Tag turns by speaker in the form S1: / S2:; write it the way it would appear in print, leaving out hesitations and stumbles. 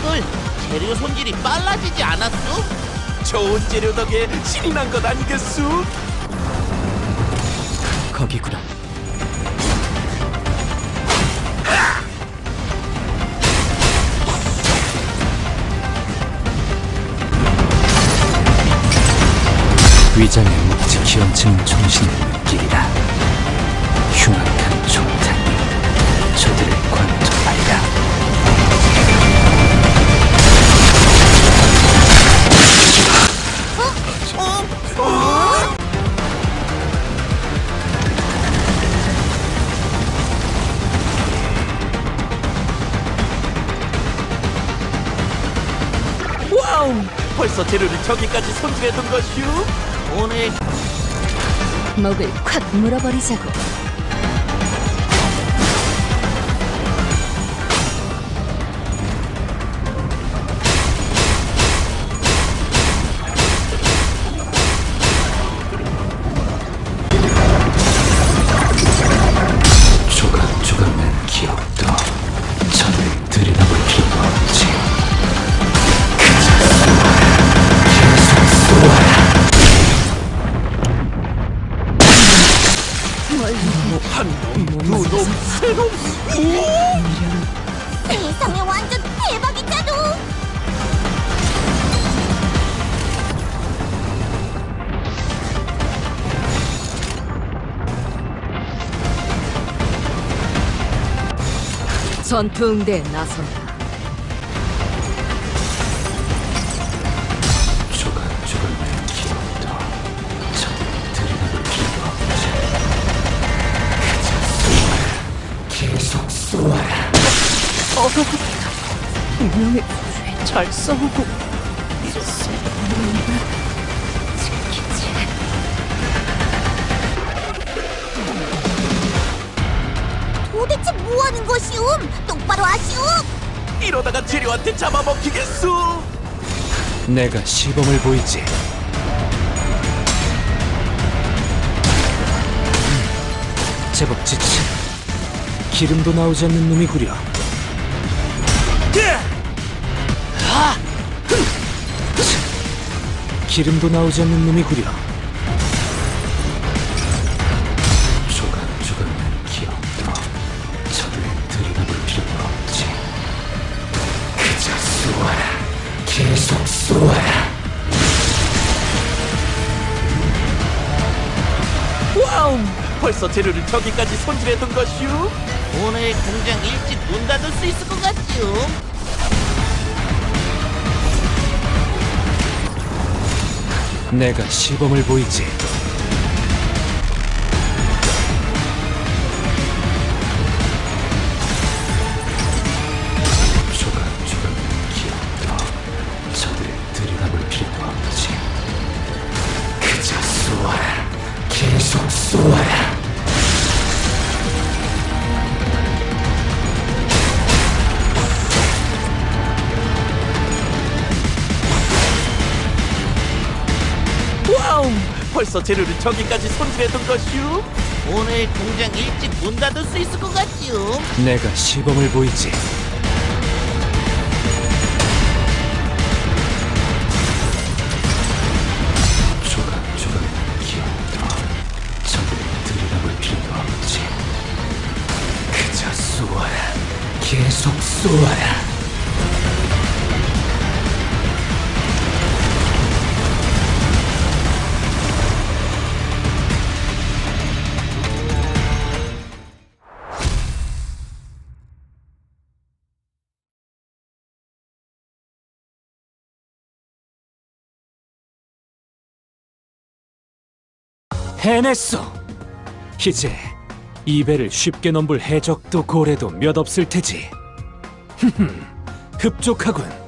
S1: 친구들, 재료 손질이 빨라지지 않았어?
S2: 좋은 재료 덕에 신이 난 것 아니겠수?
S3: 거기구나. 위장의 묵직히 얹힌 정신을 느끼리라. 흉악한 총탄, 저들을 관통하리라.
S2: 와우! 벌써 재료를 저기까지 손질해둔 것이오?
S1: 오늘
S4: 목을 콱 물어버리자고.
S3: 조각조각 난 기억도 저를 들여다볼 필요가 없지.
S2: 한 놈, 두 놈, 세 놈!
S5: 세상에 완전 대박이잖아.
S4: 전투 응대에 나선다.
S3: 조각조각 난 기억도 저를 들여다볼 필요가 없지. 계속 쏘아라.
S4: 분명히 잘 싸우고
S5: 도대체 뭐 하는 것이오? 똑바로 하시오.
S2: 이러다가 재료한테 잡아먹히겠수?
S3: 내가 시범을 보이지. 제법 지친 기름도 나오지 않는 놈이구려. 기름도 나오지 않는 놈이구려. 조각조각 난 기억도 저를 들여다볼 필요가 없지. 그저 쏘아라. 계속 쏘아라.
S2: 와우! 벌써 재료를 저기까지 손질해둔 것이오?
S1: 오늘 공장 일찍 문 닫을 수 있을 것 같지요?
S3: 내가 시범을 보이지. 조각조각 난 기억도 저들을 들여다볼 필요가 없지. 그저 쏘아라. 계속 쏘아라.
S2: 와우! 벌써 재료를 저기까지 손질해둔 것이오?
S1: 오늘 공장 일찍 문 닫을 수 있을 것 같지요?
S3: 내가 시범을 보이지. 조각조각 난 기억도 저들을 들여다볼 필요가 없지. 그저 쏘아라. 계속 쏘아라. 해냈어. 이제 이 배를 쉽게 넘볼 해적도 고래도 몇 없을 테지. 흡족하군.